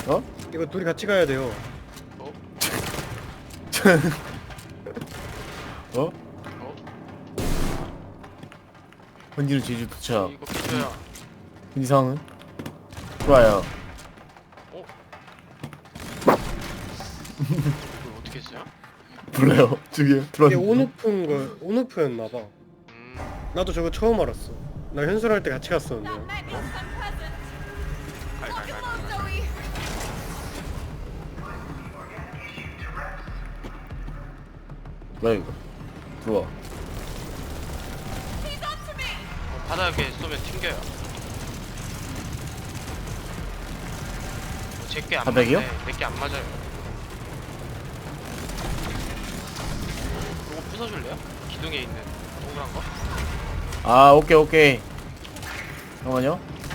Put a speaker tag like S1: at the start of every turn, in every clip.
S1: 어?
S2: 이거 둘이 같이 가야 돼요.
S3: 어?
S1: 어?
S3: 어?
S1: 번지는 제주 도착.
S3: 이거 비켜야.
S1: 이상은? 좋아요.
S3: 어? 이거 어떻게 했어요?
S1: 몰라요. 저기
S2: 이게
S1: 들어왔는데.
S2: 온오프였나봐. 나도 저거 처음 알았어. 나 현술할 때 같이 갔었는데.
S3: 갈갈갈.
S1: 뭐야 이거? 들어와.
S3: 바닥에 쏘면 튕겨요. 제게 안
S1: 바닥이요?
S3: 맞네. 내게 안 맞아요. 이거 부숴줄래요? 기둥에 있는 동그란 거?
S1: 아 오케이 오케이. 잠깐만요.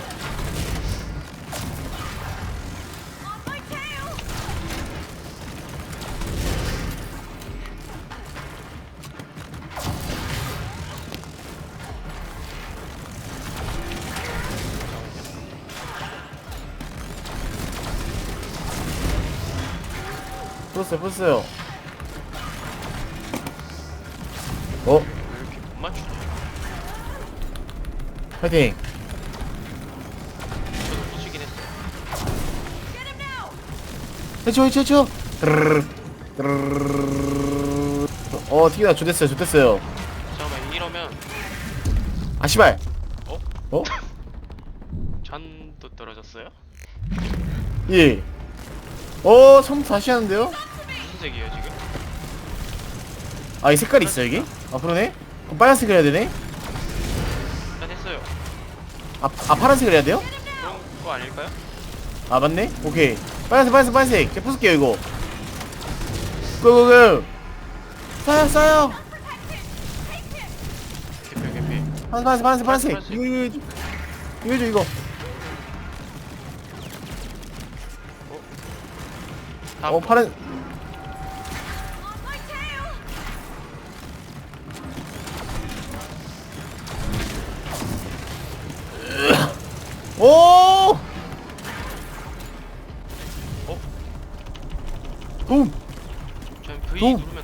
S1: 풀었어요. 어?
S3: 왜 이렇게 못 맞추냐?
S1: 파이팅.
S3: 저도 부수긴 했어요.
S1: 해쳐. 튀기다 좋댔어요.
S3: 잠깐만 이러면
S1: 아 씨발.
S3: 어?
S1: 어?
S3: 잔도 떨어졌어요?
S1: 예. 처음부터 다시 하는데요?
S3: 무슨 색이에요 지금?
S1: 아 이 색깔이 있어 여기? 아 그러네? 그럼 빨간색을 해야 되네?
S3: 일단 했어요.
S1: 아 파란색을 해야 돼요?
S3: 그런 거 아닐까요?
S1: 아 맞네? 오케이 빨간색 제가 부술게요 이거 고고고 쏴요
S3: 개피.
S1: 파란색 이거
S3: 다음
S1: 파란 오! 붐!
S3: 전 V
S1: 동!
S3: 누르면